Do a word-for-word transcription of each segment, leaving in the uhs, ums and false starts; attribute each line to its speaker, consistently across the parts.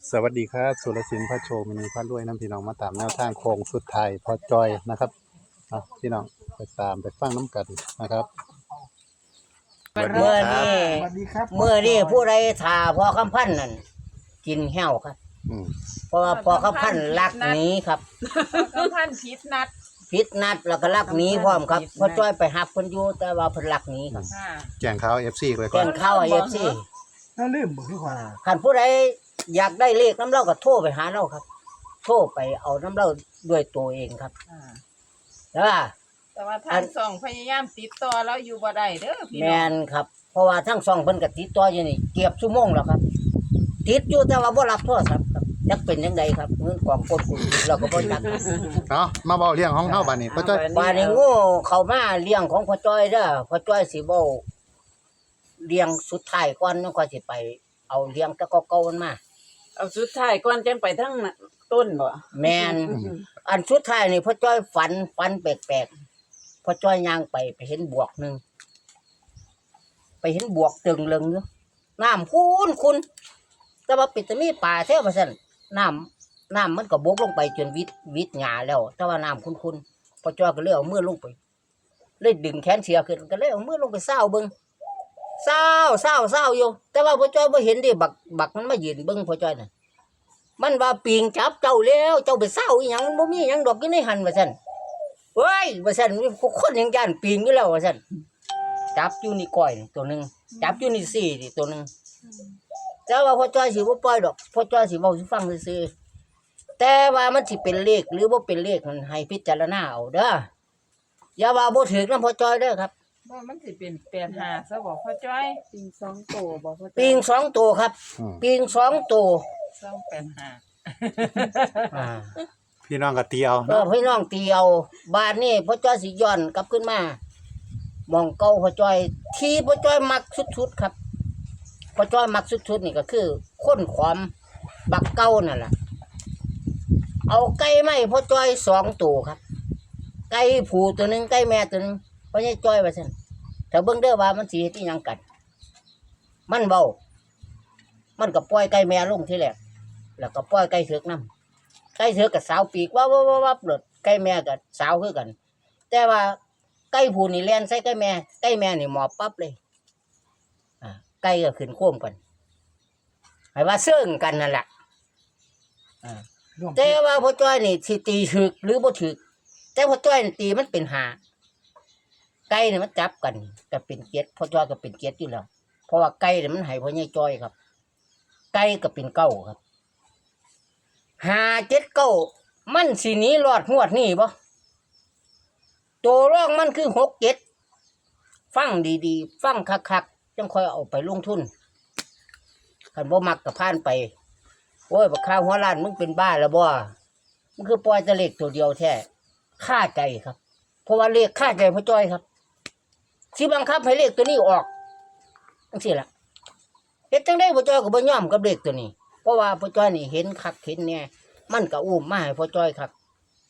Speaker 1: สวัสดีครับสุรศิลป์พระโชว์มินีพระรวยน้ำพี่น้องมาตามแนวทางโค้งสุดท้ายพอจอยนะครับเอาพี่น้องไปตามไปฟังน้ำกันนะครับสวัสดี
Speaker 2: เมื่อ
Speaker 1: ครั
Speaker 2: นี้
Speaker 1: บ
Speaker 3: สวัสดีครับ
Speaker 2: เมื่อนี้ผู้ใดถ่าพอคำพันธ์นั่นกินแห้วครับ
Speaker 1: อืม
Speaker 2: เพราะว่าพอคำพันธ์ลักหนี้ครับ
Speaker 4: ก็พันพิษนัด
Speaker 2: พิษนัดแล้วก็ลักหนี้พร้อมครับเพอจ้อยไปหับเพิ่นอยู่แต่ว่าเพิ่นลักหนี้ครับ
Speaker 4: ค่ะ
Speaker 1: แจ้งข่าวเอฟซีเลยก่
Speaker 2: แจ้
Speaker 1: อน
Speaker 2: งเข้าเอฟซี
Speaker 3: น่าลืมบ่คือว่า
Speaker 2: คันผู้ใดอยากได้เลขน้ำเล่าก็โทรไปหาเราครับ โทรไปเอาน้ำเล่าด้วยตัวเองครับ
Speaker 4: อ่า
Speaker 2: แล้วว่า
Speaker 4: แต่ว่าทางสองพยายามติดต่อแล้วอยู่บ่ได้เด้อพี่
Speaker 2: แม
Speaker 4: น้อง
Speaker 2: นครับ เพราะว่าทั้งสองเพิ่นก็ติดต่ออยู่นี่เกือบชั่วโมงแล้วครับ ติดอยู่แต่ว่าบ่รับโทรศัพท์ครับจักเป็นจังไดครับเงินกองกดกุญเราก็บ่จักครับ
Speaker 1: เนาะมาเบาเรื่องของเฮาบัดนี้พอจอย
Speaker 2: บาดนี้โง่เข้ามาเลี้ยงของพ่อจ้อยเด้อพ่อจ้อยสิเว้าเลี้ยงสุดท้ายก่อนแล้วก็สิไป เอาเลี้ยงแต่เก่าๆมันมา
Speaker 5: เอาสุดท้ายก่อนจังไปทั้งต้นบ่
Speaker 2: แม่นอันสุดท้ายนี่พ่อจ้อยฝันฝันแปลกๆพ่อจ้อยย่างไปไปเห็นบวกหนึงไปเห็นบวกตึงเลึงอยู่น้ำคุ้นคุณแต่ว่าปิดตะมีป่าแท้ว่าซั่นน้ำน้ำมันก็บกลงไปจนวิดวิดหญ้าแล้ว แต่ว่าน้ำคุ้นๆพ่อจ้อยก็เลยเอามือลงไปเลยดึงแขนเสียขึ้นก็เลยเอามือลงไปเศร้าเบิ่งเศร้าเศร้าเศร้าอยู่แต่ว่าพ่อจ้อยบ่เห็นดิบักบักมันมายืนเบิ่งพ่อจ้อยน่ะมันว่าปีงจับเจ้าแล้วเจ้าไปเศร้าอีหยังบ่มีหยังดอกอยู่ในหันว่าซั่นเฮ้ยว่าซั่นคนยังย่านปีงอยู่แล้วว่าซั่นจับอยู่นี่ก้อยนี่ตัวหนึงจับอยู่นี่สี่นี่ตัวหนึงแต่ว่าพ่อจ้อยสิบ่ปล่อยดอกพ่อจ้อยสิเว้าสิฟังซื่อๆแต่ว่ามันสิเป็นเลขหรือบ่เป็นเลขมันให้พิจารณาเอาเด้ออย่าว่าบ่ถูกนำพ่อจ้อยเด้อครับ
Speaker 4: ว่ามันสิเป็นแปดห้าซะบอกพ่อจ้อย
Speaker 5: ปิงสองโตบ่พ่อ
Speaker 2: ปีงสองตัวครับ
Speaker 1: อืม
Speaker 2: ปีงสองตัว
Speaker 4: สองแปดห้า
Speaker 2: อ่า
Speaker 1: พี่น้องก็ตีเอา
Speaker 2: เอ
Speaker 1: เนาะ
Speaker 2: อพี่น้องตีเอาบ้านนี่พ่อจ้อยสิย้อนกลับขึ้นมาหมองเก่าพ่อจ้อย ที่พ่อจ้อยมักสุดๆครับพ่อจ้อยมักสุดๆนี่ก็คือค้นความบักเก่านั่นแหละเอาไก่ไม้พ่อจ้อยสองตัวครับ ไก่ผูตัวหนึงไก่แม่ตัวหนึงพ่อใหญ่จ้อยว่าซั่นแต่เบิ่งเด้อว่ามันสิเฮ็ดอีหยังกัน มันเว้ามันก็ปล่อยไก่แม่ลงทีแรกแล้วก็ปล่อยไก่เถือกนำ ไก่เถือกกับสาวปีกว่าว่าว่าว่าเปิดไก่แม่กับสาวคือกัน แต่ว่าไก่ผู้นี่แล่นใส่ไก่แม่ไก่แม่นี่หมอบปั๊บเลยอ่าไก่ก็ขึ้นโค้มกันให้ว่าเสื่องกันนั่นแหละอ่า
Speaker 3: ร่วม
Speaker 2: แต่ว่าพ่อจ้อยนี่สิตีถึกหรือบ่ถึกแต่พ่อจ้อยนี่ตีมันเป็นหาไก่นี่มันจับกันก็เป็นเกียรติพ่อจ้อยก็เป็นเกียรติอยู่แล้วเพราะว่าไก่นี่มันให้พ่อใหญ่จ้อยครับ ไก่ก็เป็นเก้าครับห้าเจ็ดเก้ามันสิหนีรอดงวดนี่บ่ตัวร่องมันคือหกเจ็ดฟังดีๆ ฟังคักๆจังค่อยเอาไปลงทุนคันบ่มักก็ผ่านไปโอ้ยบักข้าวหัวล้านมึงเป็นบ้าแล้วบ่มันคือปล่อยแต่เลขตัวเดียวแท้ค่าใจครับ เพราะว่าเลขค่าใจพ่อจ้อยครับสิบังคับให้เลขตัวนี้ออกจังซี่ล่ะเฮ็ดจังได๋พ่อจ้อยก็บ่ยอมกับเลขตัวนี้เพราะว่าพ่อจ้อยนี่เห็นคักเห็นแน่มันก็อุ้มมาให้พ่อจ้อยครับ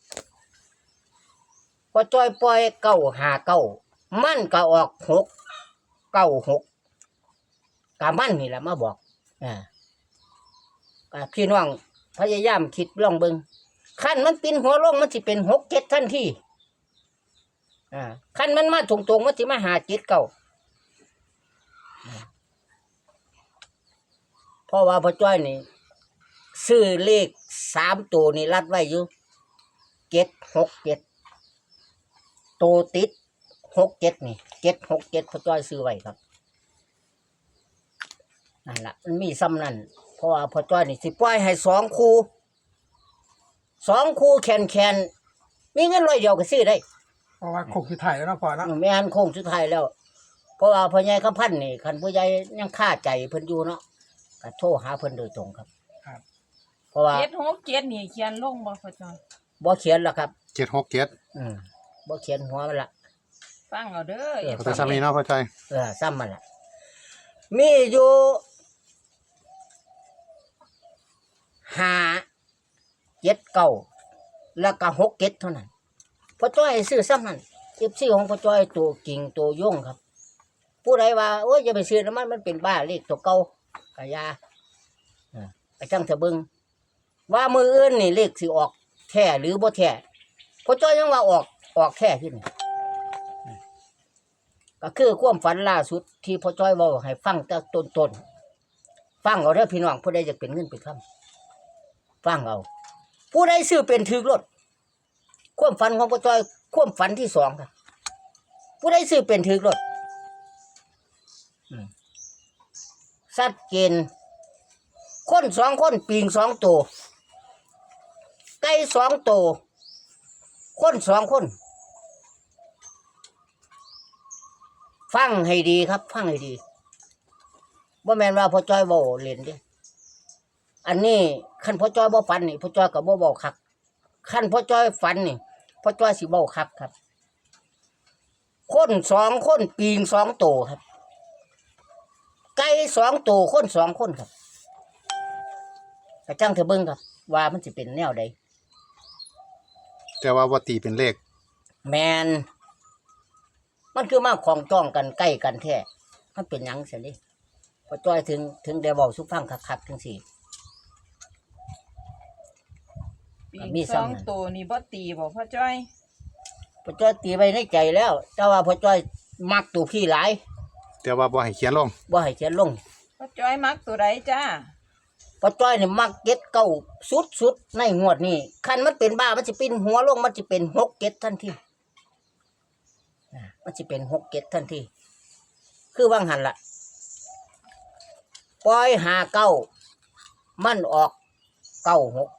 Speaker 2: พ่อจ้อยปล่อยเก้าหาเก้ามันก็ออกหกเก้าหกกะมันนี่แหละมาบอกอ่าก็พี่น้องพยายามคิดลองเบิ่งคันมันปินหัวลงมันสิเป็นหกเจ็ดทันทีอ่าคันมันมาตรงๆมันสิมาหาเจ็ดเก้าเพราะว่าพ่อจ้อยนี่ซื้อเลขสามตัวนี่รัดไว้อยู่เจ็ดหกเจ็ดตัวติดหกเจ็ดนี่เจ็ดหกเจ็ดพ่อจ้อยซื้อไว้ครับนั่นแหละมันมีซ้ำนั่นเพราะว่าพ่อจ้อยนี่สิปล่อยให้สองคู่สองคู่แคนแคนมีเงินร้อยเดียวก็ซื้อได้
Speaker 3: เพราะว่าคงคือถ่ายแล้วเนาะพ่อเนาะ
Speaker 2: แม่นโค้งสุดท้ายแล้ว เพราะว่าพ่อใหญ่คำพันธ์นี่คันผู้ใหญ่ยังคาใจเพิ่นอยู่เนาะก็โทรหาเพิ่นโดยตรงครับ
Speaker 3: ครับ
Speaker 2: เพราะว่า
Speaker 4: เจ็ดหกเจ็ดนี่เขียนลงบ่พ่อจ้อย
Speaker 2: บ่เขียนหรอกครับ
Speaker 1: เจ็ดหกเจ็ด
Speaker 2: อืมบ่เขียนหัวมันละ
Speaker 4: ฟังเอาเด้อ
Speaker 2: เออ
Speaker 1: เขาจะซ้ำนี้เนาะพ่อจอย
Speaker 2: เออซ้ำมันละมีอยู่ห้าเจ็ดเก้าแล้วก็หกเจ็ดเท่านั้นพ่อจ้อยซื้อซ้ำนั้นเก็บซื้อของพ่อจ้อยตัวกิ่งตัวย่งครับ ผู้ใดว่าโอ้ยอย่าไปซื้อน้ำมันมันเป็นบ้าเลขตัวเก่ากะยาไอ้จังเถอะเบิ่งว่ามืออื่นนี่เลขสิออกแท้หรือบ่แท้พ่อจ้อยยังว่าออกออกแท้ขึ้นก็คือความฝันล่าสุดที่พ่อจ้อยเว้าให้ฟังแต่ต้นๆฟังเอาเด้อพี่น้องผู้ใดอยากเป็นเงินเป็นคำฟังเอาผู้ใดซื้อเป็นถือรถความฝันของพ่อจ้อยความฝันที่สองครับผู้ใดซื้อเป็นถือรถชัดเจนคนสองคนปิงสองตัวไก่สองตัวคนสองคนฟังให้ดีครับฟังให้ดีบ่แม่นว่าพ่อจ้อยเว้าเล่นเด้อันนี้คันพ่อจ้อยบ่ฝันนี่พ่อจ้อยก็บ่เว้าคักคันพ่อจ้อยฝันนี่พ่อจ้อยสิเว้าคักครับคนสองคนปิงสองตัวครับไก่สองตัวคนสองคนครับกระจังเธอเบิ่งครับว่ามันสิเป็นแนวใด
Speaker 1: แต่ว่าบ่ตีเป็นเลข
Speaker 2: แมนมันคือมาของจ้องกันใกล้กันแท้มันเป็นหยังเสียดิพอจ้อยถึงถึงได้บอกสุฟังคักๆทั้งสี่
Speaker 4: ปี
Speaker 2: มี
Speaker 4: ส
Speaker 2: ซ้ำ
Speaker 4: อง
Speaker 2: นั่น
Speaker 4: ตัวนี่บ่ตีบ่พ่อจ้อย
Speaker 2: พอจ้อยตีไว้ในใจแล้ว แต่ว่าพอจ้อยมักตัวพี่หลาย
Speaker 1: แต่ว่าบ่ให้เขียนลง
Speaker 2: บ่ให้เขียนลง
Speaker 4: พ่อจ้อยมักตัวใดจ้า
Speaker 2: พอจ้อยนี่มักเก็ดเก้าสุดๆในงวดนี้คันมันเป็นบ้ามันจะปิ้นหัวลงมันจะเป็นหกเก็ดทันทีอ่ามันจะเป็นหกเก็ดทันทีคือว่างหันละปล่อยหาเก้ามันออกเก้าหก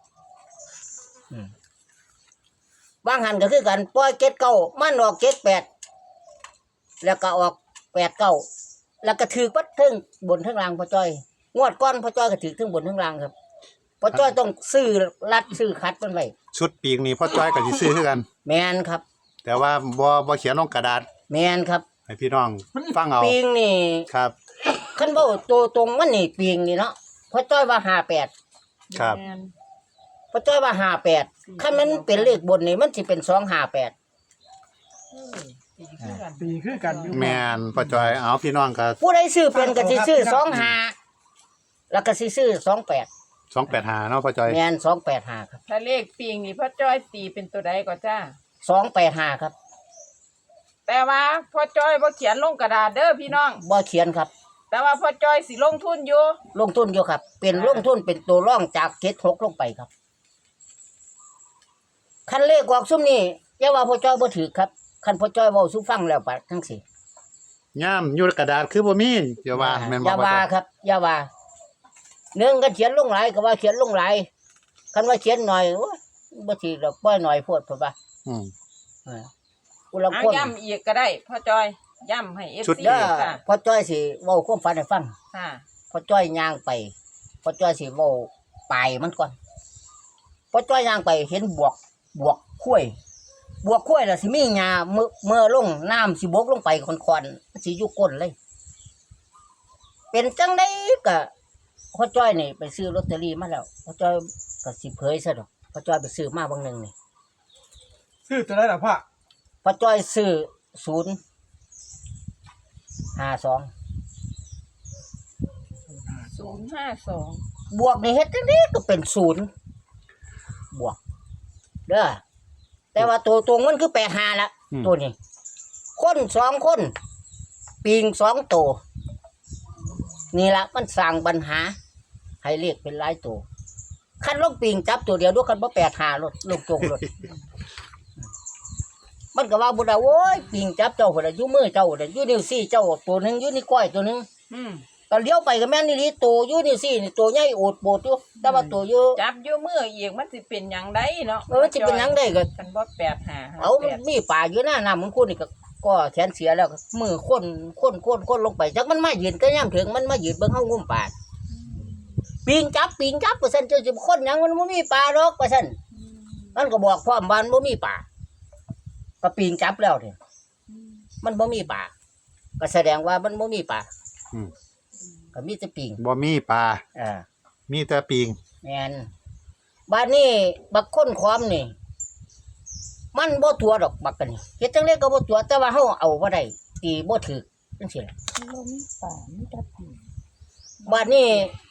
Speaker 2: ว่างหันก็คือกันปล่อยเก็ดเก้ามันออกเก็ดแปดแล้วก็ออกแปดเก้าแล้วก็ถือปัดทึ่งบนทั้งล่างพอจ้อยงวดก้อนพอจ้อยก็ถือทั้งบนทั้งล่างครับพอจ้อยต้องซื้อรัดซื้อคัดมันไว้
Speaker 1: ชุดปีกนี่พ่อจ้อยก็สิซื้อคือกัน
Speaker 2: แมนครับ
Speaker 1: แต่ว่าบ่บ่เขียนลงกระดาษ
Speaker 2: แมนครับ
Speaker 1: ให้พี่น้องฟังเอา
Speaker 2: ปิงนี่
Speaker 1: ครับ
Speaker 2: คันเว้าตัวตรงมันนี่ปิงนี่เนาะพอจ้อยว่าห้าแปด
Speaker 1: ครับ
Speaker 4: แม่น
Speaker 2: พอจ้อยว่าห้าแปดคันมันเป็นเลขบนนี่มันสิเป็นสองห้าแปด
Speaker 4: เออตีคือกัน
Speaker 3: ปีคือกันอยู่
Speaker 1: แม่นพ่อจ้อยเอาพี่น้องก็
Speaker 2: ผู้ใดซื้อเป็นก็สิซื้อสองห้าแล้วก็สิซื้อสองแปด
Speaker 1: สองแปดห้าเนาะพ่อจ้อย
Speaker 2: แมนสองแปดห้าครับ
Speaker 4: ถ้าเลขปิงนี่พ่อจ้อยตีเป็นตัวใดก็จ้า
Speaker 2: สองแปดห้าครับ
Speaker 4: แต่ว่าพ่อจ้อยบ่เขียนลงกระดาษเด้อพี่น้อง
Speaker 2: บ่เขียนครับ
Speaker 4: แต่ว่าพ่อจ้อยสิลงทุนอยู่
Speaker 2: ลงทุนอยู่ครับ เป็นลงทุนเป็นตัวร่องจากเจ็ดหกลงไปครับคันเลขออกซุ่มนี่อย่าว่าพ่อจ้อยบ่ถือครับคันพ่อจ้อยเว้าสู่ฟังแล้วปะทั้งสี่
Speaker 1: ย่ามอยู่กระดาษคือบ่มีอย่าว่าแม่น
Speaker 2: อ
Speaker 1: บ่
Speaker 2: ย่า
Speaker 1: พ่อ
Speaker 2: ว่า
Speaker 1: จ้อย
Speaker 2: ครับอย่าว่าหนึ่งก็เขียนลงหลายก็ว่าเขียนลงหลายคันว่าเขียนหน่อยโอ้ยบ่ถือดอกปล่อยหน่อยโพดเพิ่นว่า
Speaker 1: อืม
Speaker 2: อ่ากูลัง
Speaker 4: เอา
Speaker 2: คน
Speaker 4: ย้ำอีกก็ได้พ่อจ้อยย้ำให้ เอฟ
Speaker 1: ชุด
Speaker 4: ซี
Speaker 1: เด้
Speaker 2: เด้อ
Speaker 4: ค่ะ
Speaker 2: พ่อจ้อยสิเว้าความฝันให้ฟัง
Speaker 4: ค่ะ
Speaker 2: พ่อจ้อยย่างไปพ่อจ้อยสิเว้าปลายมันก่อนพ่อจ้อยย่างไปเห็นบวกบวกข้วยบวกข้วยน่ะสิมีหญ้าเมื่อเมื่อลงน้ำสิบกลงไปค่อนๆมันสิอยู่ก้นเลย เป็นจังไดก็พ่อจ้อยนี่ไปซื้อลอตเตอรี่มาแล้วพ่อจ้อยก็สิเผยซะดอกพ่อจ้อยไปซื้อมาบางหนึงนี่
Speaker 3: ซื้อตัวได้หรอพ่อ
Speaker 2: พ่อจ้อยซื้อศูนย์ห้าสอง
Speaker 4: ศูนย์ห้าสอง
Speaker 2: บวกนี่เฮ็ดจังไดก็เป็นศูนย์บวกเด้อแต่ว่าตัวตรงมันคือแปดห้าละตัวนี้ คนสองคนปิงสองตัวนี่ละมันสร้างปัญหา ให้เรียกเป็นหลายตัวคันลงปิงจับตัวเดียวด้วยกันบ่แปดห้ารถลงตรงรถ มันก็ว่าบุดาโอ้ยปิงจับเจ้าคนละอยู่มือเจ้าคนละอยู่นิ้วซี่เจ้าตัวหนึงอยู่นิ้วก้อยตัวหนึง
Speaker 4: อืม
Speaker 2: ก็เลี้ยวไปก็แม่นนี่ลีตัวอยู่นิ้วซี่นี่ตัวใหญ่โอดโบดอยู่แต่ว่าตัวอยู่
Speaker 4: จับอยู่มืออีกมันสิเป็นหยังได้เนาะ
Speaker 2: เออมันสิเป็นหยังได้ก็
Speaker 4: กันบ่แปดหา
Speaker 2: เอามันมีป่าอยู่หน้าน้ำมึงคุณนี่ก็ก็แขนเสียแล้วก็มือค้นค้นค้นค้นลงไปจักมันมายืนก็ย่ำถึงมันมายืนเบิ่งเฮางุ่มป่าปิงจับปิงจับว่าซั่นเจ้าสิค้นหยังมันบ่มีป่าดอกว่าซั่นมันก็บอกพร้อมบ้านบ่มีป่าก็ปิงจับแล้วนี่มันบ่มีป่าก็แสดงว่ามันบ่มีป่า
Speaker 1: อืม
Speaker 2: ก็มีแต่ปิง
Speaker 1: บ่มีปลา
Speaker 2: อ่า
Speaker 1: มีแต่ปีง
Speaker 2: แม่นบ้านนี้บักค้นความนี่มันบ่ตัวดอกบักกันนี่เฮ็ดจังได๋ก็บ่ตัวแต่ว่าเฮาเอาบ่ได้ตีบ่ถูกจังซี่ล่ะ
Speaker 5: บ่มีป่ามีแต่ผี
Speaker 2: บ้านนี้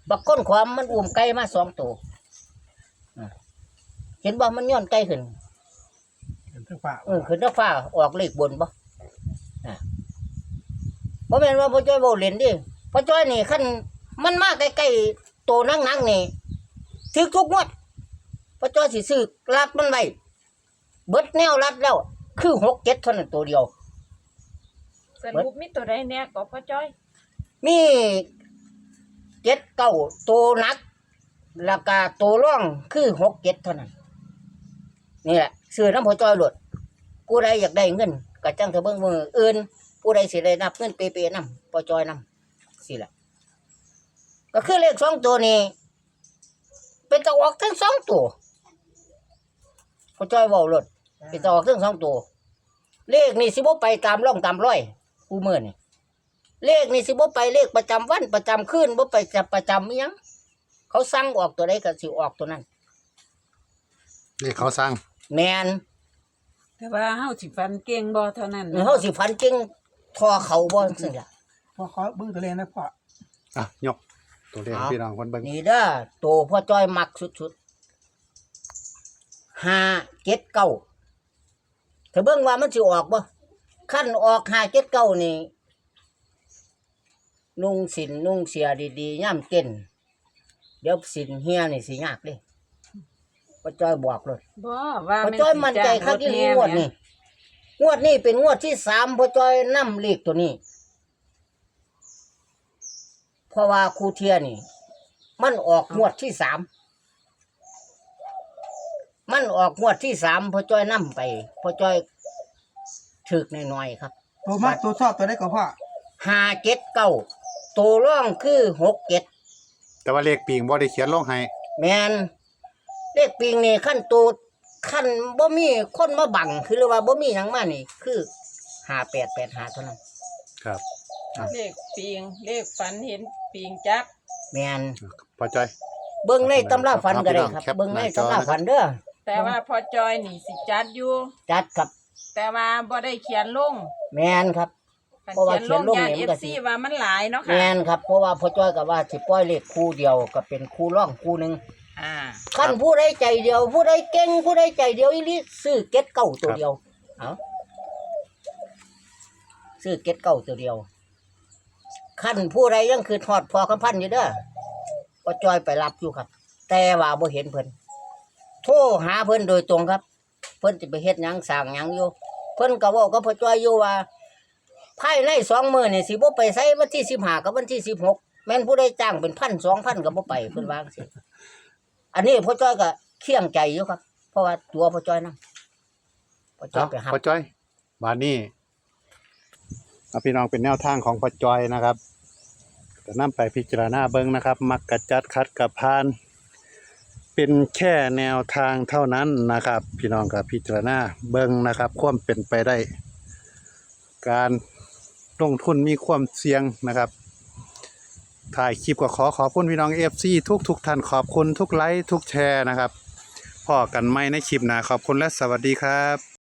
Speaker 2: บักก้นความมันอุ้มไก่มาสองตัวอ่ะเห็นบ่มันย้อนไก่ขึ้น
Speaker 3: เห็นทั้งฝ่า
Speaker 2: เออขึ้นนฟ้าออกเลขบนบ่อ่ะบ่แม่นว่าพ่อจ้อยเว้าเล่นดิพ่อจ้อยนี่คันมันมาใกล้ๆโตนักๆนี่ถึกทุกงวดพ่อจ้อยสิซื้อรัดมันไว้เบิดแนวรัดแล้วคือหกเจ็ดเท่านั้นตัวเดียว
Speaker 4: สรุปมีตัวใดแน่ก็พ่อจ้อย
Speaker 2: มีเจ็ดเก้าตัวหนักแล้วก็ตัวร่องคือหกเจ็ดเท่านั้นนี่แหละซื้อน้ำพ่อจ้อยโลดผู้ใดอยากได้เงินก็จังเถอะเบิ่งมืออื่นผู้ใดสิได้นับเงินเปๆนำพ่อจ้อยนำสิล่ะก็คือเลขสองตัวนี้เป็นตะออกทั้งสองตัวพ่อจ้อยเว้าโลดเป็นตะออกทั้งสองตัวเลขนี่สิบ่ไปตามร่องตามร้อยผู้มื้อนี่เลขนี่สิบ่ไปเลขประจำวันประจำคืนบ่ไปจะประจำอิหยังเขาสั่งออกตัวใดก็สิออกตัวนั้น
Speaker 1: นี่เขาสร้าง
Speaker 2: แม่น
Speaker 5: แต่ว่าเฮาสิฟันเก่งบ่เท่านั้น
Speaker 2: เฮาสิฝันเก่งทอเขาบ่จังซี่ล่ะ
Speaker 3: พ่อขอเบิ่งตัวเลขนะพ่อ
Speaker 1: อ่ะยกตัวเลขให้พี่น้องคนเบิ่ง
Speaker 2: นี่เด้อโตพ่อจ้อยมักสุดๆห้าเจ็ดเก้าถ้าเบิ่งว่ามันสิออกบ่คันออกห้าเจ็ดเก้านี่นุ่งสินนุ่งเสียดีๆย่ำเต้นเดี๋ยวสินเฮียนี่สิยากเลยพ่อจ้อยบอกเลย
Speaker 5: บ่ว่า
Speaker 2: พ่อจ้อยมั่นใจคักอีหลีงวดนี้งวดนี้เป็นงวดที่สามพ่อจ้อยนำเลขตัวนี้เพราะว่าครูเทียนี่ มันออกงวดที่สามมันออกงวดที่สามพ่อจ้อยนำไปพ่อจ้อยถึกหน่อยๆครับ
Speaker 3: ตัวมากตัวชอบตัวได้ก็พ่อ
Speaker 2: ห้าเจ็ดเก้าตัวร่องคือหกเจ็ด
Speaker 1: แต่ว่าเลขปีงบ่ได้เขียนลงให้
Speaker 2: แมนเลขปิงนี่ขั้นตัวขั้นบ่มีคนมาบังคือเรียกว่าบ่มีหยังมานี่ คือห้าแปดแปดห้าเท่านั้น
Speaker 1: ครับ
Speaker 4: เลขปิงเลขฝันเห็นปิงจัก
Speaker 2: แมน
Speaker 1: พ่อจ้อย
Speaker 2: เบิ่งในตำราฝันก็ได้ครับ
Speaker 1: แคป
Speaker 2: เบิ่งใน
Speaker 1: หน้าจอ
Speaker 2: ตำราฝันเด้อ
Speaker 4: แต่ว่าพ่อจ้อยนี่สิจัดอยู่
Speaker 2: จัดครับ
Speaker 4: แต่ว่าบ่ได้เขียนลง
Speaker 2: แมนครับ
Speaker 4: คัน
Speaker 2: เพราะว่า
Speaker 4: เขียนลง
Speaker 2: เขียนลง
Speaker 4: ยาน
Speaker 2: เนี่ยมันก็สิ
Speaker 4: เอฟซีว่ามันหลายเนาะ
Speaker 2: แม
Speaker 4: ค่ะ
Speaker 2: นครับเพราะว่าพ่อจ้อยก็ว่าสิปล่อยเลขคู่เดียวก็เป็นคู่ร่องคู่หนึง
Speaker 4: อ่า
Speaker 2: คันผู้ใดใจเดียว ผู้ใดเก่งผู้ใดใจเดียวอีหลีซื้อเก็ตเก้าตัวเดียวเอาซื้อเก็ตเก้าตัวเดียวคันผู้ใดยังคือทอดพอคำพันอยู่เด้อพ่อจ้อยไปรับอยู่ครับ แต่ว่าบ่เห็นเพิ่นโทรหาเพิ่นโดยตรงครับ เพิ่นจะไปเฮ็ดหยังสร้างหยังอยู่ เพิ่นก็เว้ากับพ่อจ้อยอยู่ว่าภายในสองมื้อนี่สิบ่ไปไสวันที่สิบห้ากับวันที่สิบหกแม่นผู้ใดจ้างเป็นพันสองพันก็บ่ไปเพิ่นว่าจังซี่อันนี้พ่อจ้อยก็เคียงใจอยู่ครับ เพราะว่าตัวพ่อจ้อยนำพ่อจ้อ
Speaker 1: เอ้าย
Speaker 2: ไปรับ
Speaker 1: พ่อจ้อยบาดนี้เอาพี่น้องเป็นแนวทางของพ่อจ้อยนะครับจะนำไปพิจารณาเบิ่งนะครับ มักกะจัดคัดกับพาน เป็นแค่แนวทางเท่านั้นนะครับ พี่น้องกับพิจารณาเบิ่งนะครับความเป็นไปได้ การลงทุนมีความเสี่ยงนะครับถ่ายคลิปก็ขอขอบคุณพี่น้อง เอฟ ซี ทุกทุกท่านขอบคุณทุกไลค์ทุกแชร์นะครับพอกันไหมในคลิปหน้าขอบคุณและสวัสดีครับ